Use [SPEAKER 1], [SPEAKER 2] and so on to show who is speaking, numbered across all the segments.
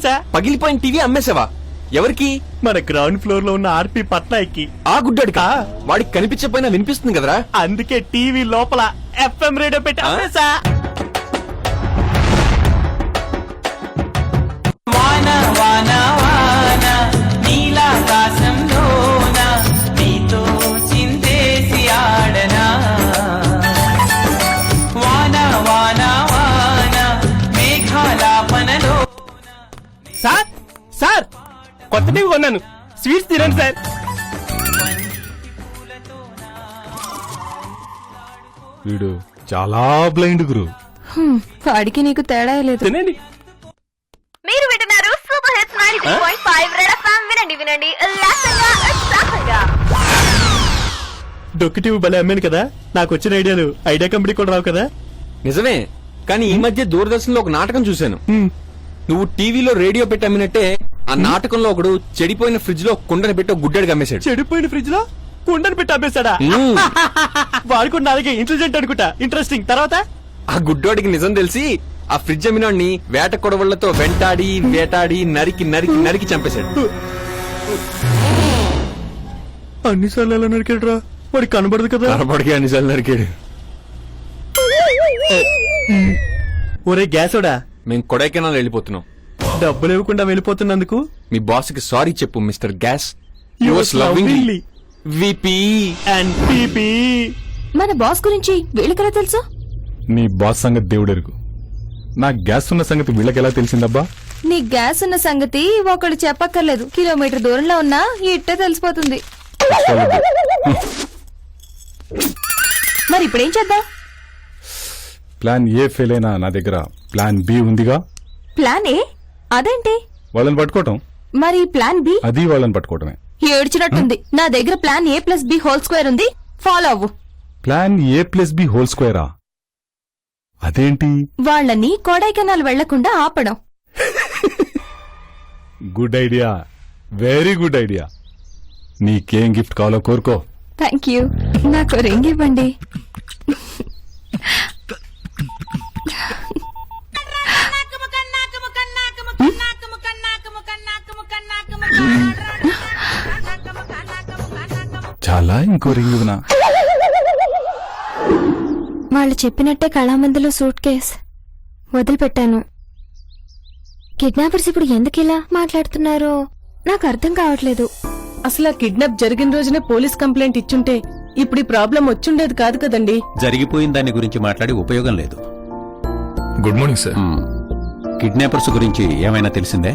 [SPEAKER 1] అమ్మేశా.
[SPEAKER 2] పగిలిపోయిన టీవీ అమ్మేసావా? ఎవరికి?
[SPEAKER 1] మన గ్రౌండ్ ఫ్లోర్ లో ఉన్న ఆర్పి పట్నాయక్కి.
[SPEAKER 2] ఆ గుడ్డాడికా? వాడికి కనిపించకపోయినా వినిపిస్తుంది కదరా.
[SPEAKER 1] అందుకే టీవీ లోపల FM రేడియో పెట్టి అమ్మేశా.
[SPEAKER 3] వాన వాన వాన నీలాకాశంలోన నీతో చిందేసి ఆడనా. వాన వాన వాన మేఘాలాపనలో.
[SPEAKER 1] సార్ సార్ కొత్త టీవీ కొన్నాను, స్వీట్స్ తినండి సార్.
[SPEAKER 4] వీడు చాలా బ్లైండ్ గురు.
[SPEAKER 5] వాడికి నీకు తేడా లేదు.
[SPEAKER 1] తినండి.
[SPEAKER 6] మీరు వింటున్నారు సూపర్ హిట్స్ 93.5 రెడ్ ఎఫ్ఎం. వినండి వినండి ఉల్లాసంగా ఉత్సాహంగా.
[SPEAKER 1] డొక్కు టీవీ భలే అమ్మాను కదా. నాకు వచ్చిన ఐడియా కంపెనీ కూడా రావు కదా.
[SPEAKER 2] నిజమే, కానీ ఈ మధ్య దూరదర్శన్ లో ఒక నాటకం చూశాను. నువ్వు టీవీలో రేడియో పెట్టి అమ్మినట్టే ఆ నాటకంలో ఒకడు చెడిపోయిన ఫ్రిడ్జ్ లో కుండని పెట్టి ఒక గుడ్డడికి అమ్మేశాడు.
[SPEAKER 1] చెడిపోయిన ఫ్రిడ్జ్ లో కుండని పెట్టి అమ్మేశాడా? వాడుకున్న అలాగే ఇంటెలిజెంట్ అనుకుంటా. ఇంట్రెస్టింగ్. తర్వాత
[SPEAKER 2] ఆ గుడ్డోడికి నిజం తెలిసి ఆ ఫ్రిడ్జ్ అమ్మినోడిని వేట కొడవళ్లతో వెంటాడి వేటాడి నరికి నరికి నరికి చంపేశాడు.
[SPEAKER 1] అన్నిసార్లు ఎలా నరికాడు రా? వాడికి కనబడదు కదా.
[SPEAKER 2] కనబడికి అన్నిసార్లు నరికాడు.
[SPEAKER 1] ఒరే గ్యాసోడా,
[SPEAKER 2] మేము కొడైకెనాల్ వెళ్ళిపోతున్నాం.
[SPEAKER 1] డబ్బులు ఇవ్వకుండా వెళ్ళిపోతున్నందుకు
[SPEAKER 2] మీ బాస్ కి సారీ చెప్పు mister gas.
[SPEAKER 1] Yours lovingly,
[SPEAKER 2] VP
[SPEAKER 1] and PP.
[SPEAKER 5] మన బాస్ గురించి వీళ్ళకెలా తెలుసు?
[SPEAKER 4] నీ బాస్ సంగతి దేవుడెరుగు. నా గ్యాస్ ఉన్న సంగతి వీళ్ళకెలా తెలిసిందబ్బా?
[SPEAKER 5] నీ గ్యాస్ ఉన్న సంగతి ఒకళ్ళు చెప్పక్కర్లేదు. కిలోమీటర్ దూరంలో ఉన్నా ఇట్టే తెలిసిపోతుంది. మరి ఇప్పుడేం చేద్దాం?
[SPEAKER 4] ప్లాన్ ఏ ఫెయిల్ అయినా నా దగ్గర ప్లాన్ బి ఉందిగా.
[SPEAKER 5] Plan A? అదేంటి?
[SPEAKER 4] వాళ్ళని పట్టుకోవటం.
[SPEAKER 5] మరి ప్లాన్ బి?
[SPEAKER 4] అది వాళ్ళని పట్టుకోవటమే.
[SPEAKER 5] ఏడ్చినట్టుంది. నా దగ్గర ప్లాన్ A+B² ఉంది, ఫాలో అవ్వు.
[SPEAKER 4] ప్లాన్ A+B² అదేంటి?
[SPEAKER 5] వాళ్ళని కొడైకెనాల్ వెళ్లకుండా ఆపడం.
[SPEAKER 4] Good idea, very good idea. నీకేం గిఫ్ట్ కావాలో కోరుకో.
[SPEAKER 5] Thank you. నాకు రింగ్ ఇవ్వండి.
[SPEAKER 4] చాలా, ఇంకో రింగ్ ఇవ్వనా?
[SPEAKER 5] వాళ్ళు చెప్పినట్టే కళామందులో సూట్ కేస్ వదిలిపెట్టాను. కిడ్నాపర్స్ ఇప్పుడు ఎందుకిలా మాట్లాడుతున్నారో నాకు అర్థం కావట్లేదు.
[SPEAKER 7] అసలు ఆ కిడ్నాప్ జరిగిన రోజునే పోలీస్ కంప్లైంట్ ఇచ్చుంటే ఇప్పుడు ఈ ప్రాబ్లం వచ్చుండేది కాదు కదండి.
[SPEAKER 8] జరిగిపోయిన దాని గురించి మాట్లాడి ఉపయోగం లేదు.
[SPEAKER 9] Good morning sir.
[SPEAKER 8] కిడ్నాపర్స్ గురించి ఏమైనా తెలిసిందే?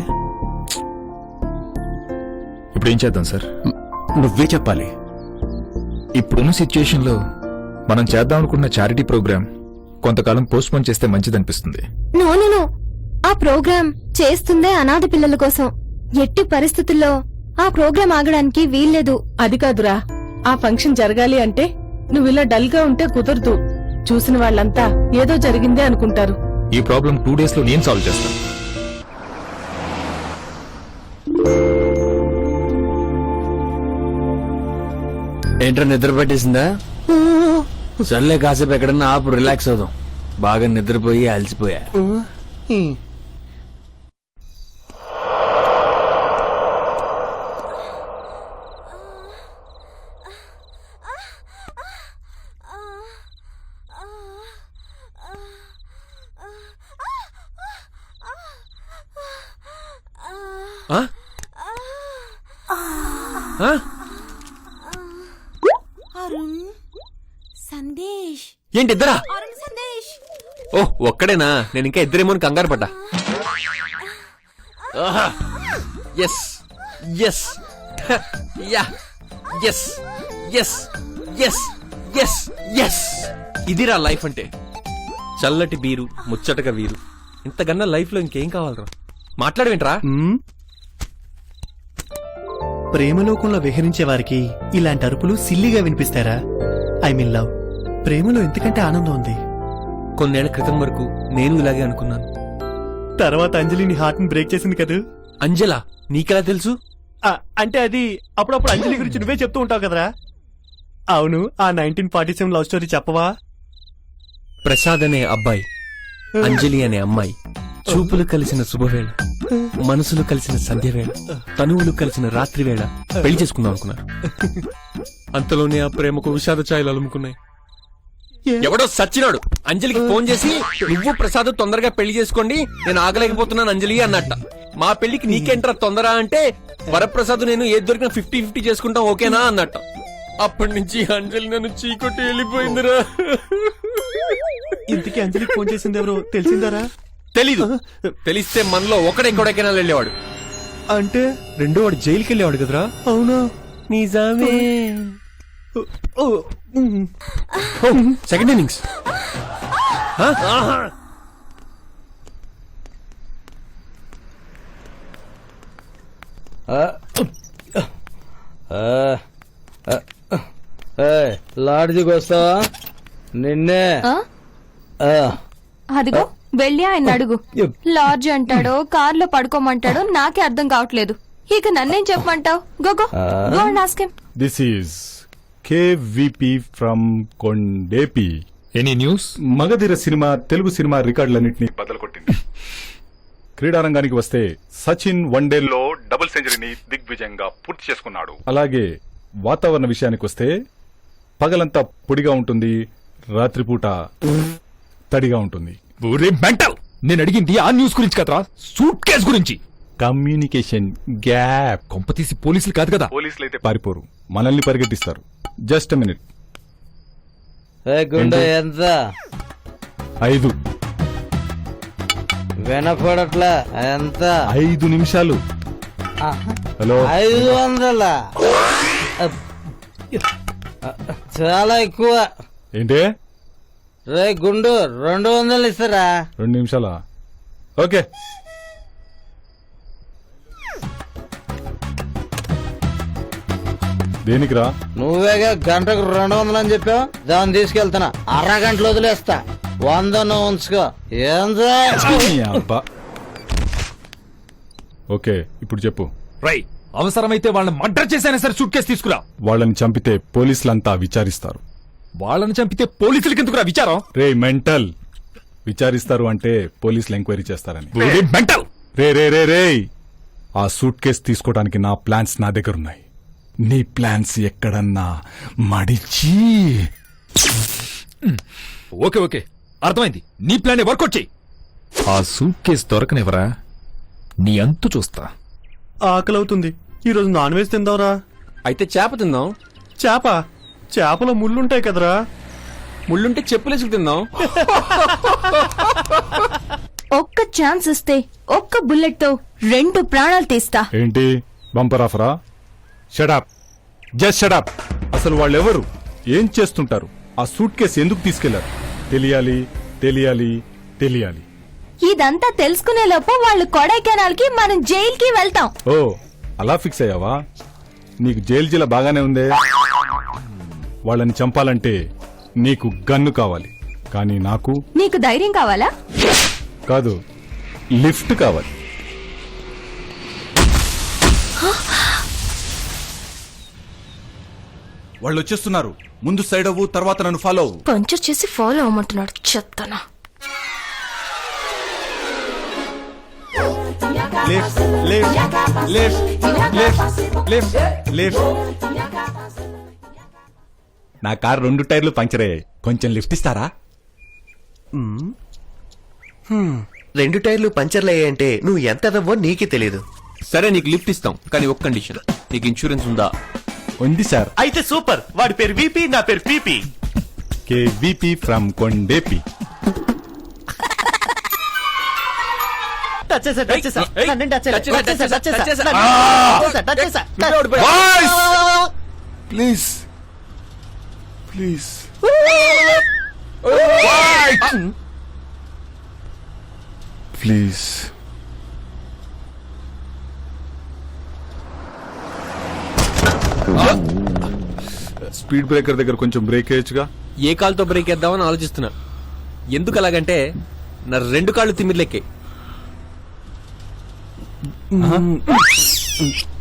[SPEAKER 9] ఇప్పుడు ఏం చేద్దాం సార్?
[SPEAKER 8] నువ్వే చెప్పాలి.
[SPEAKER 9] ఇప్పుడున్న సిచ్యుయేషన్ లో మనం చేద్దాం అనుకున్న చారిటీ ప్రోగ్రామ్ కొంతకాలం పోస్ట్ పోన్ చేస్తే మంచిదనిపిస్తుంది.
[SPEAKER 5] నో, ఆ ప్రోగ్రాం చేస్తుందే అనాథ పిల్లల కోసం. ఎట్టి పరిస్థితుల్లో ఆ ప్రోగ్రాం ఆగడానికి వీల్లేదు.
[SPEAKER 7] అది కాదురా, ఆ ఫంక్షన్ జరగాలి అంటే నువ్విలా డల్ గా ఉంటే కుదరదు. చూసిన వాళ్ళంతా ఏదో జరిగిందే అనుకుంటారు.
[SPEAKER 9] ఈ ప్రాబ్లం 2 days లో నేను సాల్వ్ చేస్తాను.
[SPEAKER 2] ఏంట్రా నిద్ర పట్టేసిందా? సర్లే కాసేపు ఎక్కడన్నా ఆపు, రిలాక్స్ అవుదాం. బాగా నిద్రపోయి అలసిపోయా.
[SPEAKER 5] సందేశ్
[SPEAKER 2] ఏంటి ఇద్దరా? ఓ ఒక్కడేనా? నేను ఇంకా ఇద్దరేమో కంగారు పడ్డా. Yes yes ya yes yes yes yes yes. ఇదిరా లైఫ్ అంటే. చల్లటి బీరు, ముచ్చటగా వీరు. ఇంతకన్నా లైఫ్ లో ఇంకేం కావాలరా? మాట్లాడవేంట్రా?
[SPEAKER 1] ప్రేమలోకంలో విహరించే వారికి ఇలాంటి అరుపులు సిల్లిగా వినిపిస్తారా? I mean love. ప్రేమలో ఎంతకంటే ఆనందం ఉంది.
[SPEAKER 2] కొన్నేళ్ల క్రితం వరకు నేను ఇలాగే అనుకున్నాను.
[SPEAKER 1] తర్వాత అంజలి నీ హార్ట్ ని బ్రేక్ చేసింది కదా.
[SPEAKER 2] అంజలా? నీకెలా తెలుసు?
[SPEAKER 1] అంటే అది అప్పుడప్పుడు అంజలి గురించి నువ్వే చెప్తూ ఉంటావు కదరా. అవును, ఆ 1947 లవ్ స్టోరీ చెప్పవా?
[SPEAKER 2] ప్రసాద్ అనే అబ్బాయి, అంజలి అనే అమ్మాయి చూపులు కలిసిన శుభవేళ, మనసులు కలిసిన సంధ్యవేళ, తనువులు కలిసిన రాత్రి వేళ పెళ్లి చేసుకుందాం అనుకున్నారు. అంతలోనే ఆ ప్రేమకు విషాద ఛాయలు అలుముకున్నాయి. ఎవడో సచ్చినాడు అంజలికి ఫోన్ చేసి, నువ్వు ప్రసాద్ తొందరగా పెళ్లి చేసుకోండి, నేను ఆగలేకపోతున్నాను అంజలి అన్నట్ట. మా పెళ్లికి నీకేంట్రా తొందర అంటే, వరప్రసాద్ నేను ఏది దొరికినా 50-50 చేసుకుంటాం ఓకేనా అన్నట్ట. అప్పటి నుంచి అంజలి నన్ను చీకొట్టి వెళ్ళిపోయిందిరా.
[SPEAKER 1] ఇంతకీ అంజలికి ఫోన్ చేసింది ఎవరో తెలిసిందారా?
[SPEAKER 2] తెలీదు. తెలిస్తే మనలో ఒకడెక్కడెక్కడా వెళ్ళేవాడు.
[SPEAKER 1] అంటే
[SPEAKER 2] రెండో వాడు జైలుకి వెళ్ళేవాడు కదరా.
[SPEAKER 1] అవునా?
[SPEAKER 2] నిజమే. Second innings.
[SPEAKER 10] లాడ్జికి వస్తావా? నిన్నే.
[SPEAKER 5] అదిగో వెళ్ళి ఆయన అడుగు. లాడ్జ్ అంటాడో కార్లో పడుకోమంటాడో నాకే అర్థం కావట్లేదు. ఇక నన్నేం చెప్పమంటావు? Go and ask him.
[SPEAKER 4] This is KVP from Kondepi.
[SPEAKER 9] Any news?
[SPEAKER 4] Magadheera cinema Telugu cinema రికార్డులన్నింటినీ బదలకొట్టింది. క్రీడారంగానికి వస్తే సచిన్ వన్డేల్లో డబుల్ సెంచరీని దిగ్విజయంగా పూర్తి చేసుకున్నాడు. అలాగే వాతావరణ విషయానికి వస్తే పగలంతా పొడిగా ఉంటుంది, రాత్రిపూట తడిగా ఉంటుంది.
[SPEAKER 9] మెంటల్! నేను అడిగింది ఆ న్యూస్ గురించి కదరా, సూట్ కేస్ గురించి.
[SPEAKER 4] Communication gap.
[SPEAKER 9] కొంపతీసి పోలీసులు కాదు కదా?
[SPEAKER 4] పోలీసులు అయితే పారిపోరు, మనల్ని పరిగెట్టిస్తారు. Just minute.
[SPEAKER 10] గుండె ఎంత?
[SPEAKER 4] 5
[SPEAKER 10] వినపడట్లా. ఎంత?
[SPEAKER 4] 5 నిమిషాలు. హలో,
[SPEAKER 10] 500? చాలా ఎక్కువ.
[SPEAKER 4] ఏంటే?
[SPEAKER 10] రే గుండు, 200 ఇస్తారా?
[SPEAKER 4] 2 నిమిషాలా? ఓకే. దేనికిరా?
[SPEAKER 10] నువ్వేగా గంటకు 200 అని చెప్పావు. దాన్ని తీసుకెళ్తున్నా, అరగంటలో వదిలేస్తా. 100 నువ్వు ఉంచుకో. ఏందా?
[SPEAKER 4] అబ్బా. ఓకే, ఇప్పుడు చెప్పు.
[SPEAKER 9] రై, అవసరమైతే వాళ్ళని మర్డర్ చేసైనా సరే సూట్ కేసు తీసుకురా.
[SPEAKER 4] వాళ్ళని చంపితే పోలీసులంతా విచారిస్తారు.
[SPEAKER 9] వాళ్ళని చంపితే పోలీసులకి ఎందుకురా విచారం?
[SPEAKER 4] రే మెంటల్, విచారిస్తారు అంటే పోలీసులు ఎంక్వైరీ చేస్తారని.
[SPEAKER 9] మెంటల్!
[SPEAKER 4] రే రే రే రే, ఆ సూట్ కేసు తీసుకోవడానికి నా ప్లాన్స్ నా దగ్గర ఉన్నాయి. నీ ప్లాన్స్ ఎక్కడన్నా మడిచి.
[SPEAKER 9] ఓకే ఓకే, అర్థమైంది. నీ ప్లాన్ వర్కౌట్ చెయ్యి. ఆ సూట్ కేసు దొరకనివరా, నీ అంతు చూస్తా.
[SPEAKER 1] ఆకలవుతుంది. ఈ రోజు నాన్ వెజ్ తిందాంరా.
[SPEAKER 2] అయితే చేప తిందాం.
[SPEAKER 1] చేప? చేపలో ముళ్ళుంటాయి కదరా.
[SPEAKER 2] ముళ్ళుంటే చెప్పులేసుకు తిందాం.
[SPEAKER 5] ఒక్క ఛాన్స్ ఇస్తే ఒక్క బుల్లెట్ తో 2 ప్రాణాలు తీస్తా.
[SPEAKER 4] ఏంటి బంపర్ ఆఫరా? Shut up, just shut up. అసలు వాళ్ళెవరు, ఏం చేస్తుంటారు, ఆ సూట్ కేసు ఎందుకు తీసుకెళ్లారు? తెలియాలి తెలియాలి తెలియాలి.
[SPEAKER 5] ఇదంతా తెలుసుకునే లోపు వాళ్ళు కొడైకెనాల్ కి, మనం జైల్ కి వెళ్తాం.
[SPEAKER 4] ఓ, అలా ఫిక్స్ అయ్యావా? నీకు జైలు బాగానే ఉందే. వాళ్ళని చంపాలంటే నీకు గన్ను కావాలి, కానీ నాకు
[SPEAKER 5] నీకు ధైర్యం కావాలా?
[SPEAKER 4] కాదు, లిఫ్ట్ కావాలి.
[SPEAKER 11] వాళ్ళు వచ్చేస్తున్నారు. ముందు సైడ్ అవ్వు, తర్వాత నన్ను ఫాలో అవ్వు.
[SPEAKER 5] పంచర్ చేసి ఫాలో అవ్వమంటున్నాడు. చెత్తనా.
[SPEAKER 1] Left left left left left left.
[SPEAKER 4] నా కార్ 2 టైర్లు పంచర్ అయ్యాయి, కొంచెం లిఫ్ట్ ఇస్తారా?
[SPEAKER 1] 2 టైర్లు పంచర్లు అయ్యాయంటే నువ్వు ఎంత ఎదవో నీకే తెలియదు.
[SPEAKER 2] సరే, నీకు లిఫ్ట్ ఇస్తాం, కానీ ఒక కండిషన్. నీకు ఇన్సూరెన్స్ ఉందా?
[SPEAKER 4] ఉంది సార్.
[SPEAKER 1] అయితే సూపర్. వాడి పేరు విపి, నా పేరు PP.
[SPEAKER 4] KVP from Kondepi.
[SPEAKER 11] Please please. Please.
[SPEAKER 4] Speed breaker దగ్గర కొంచెం బ్రేక్ వేయచ్చుగా.
[SPEAKER 2] ఏ కాలుతో బ్రేక్ వేద్దామని ఆలోచిస్తున్నా. ఎందుకు అలాగంటే నా 2 కాళ్ళు తిమ్మిర్లెక్కాయి.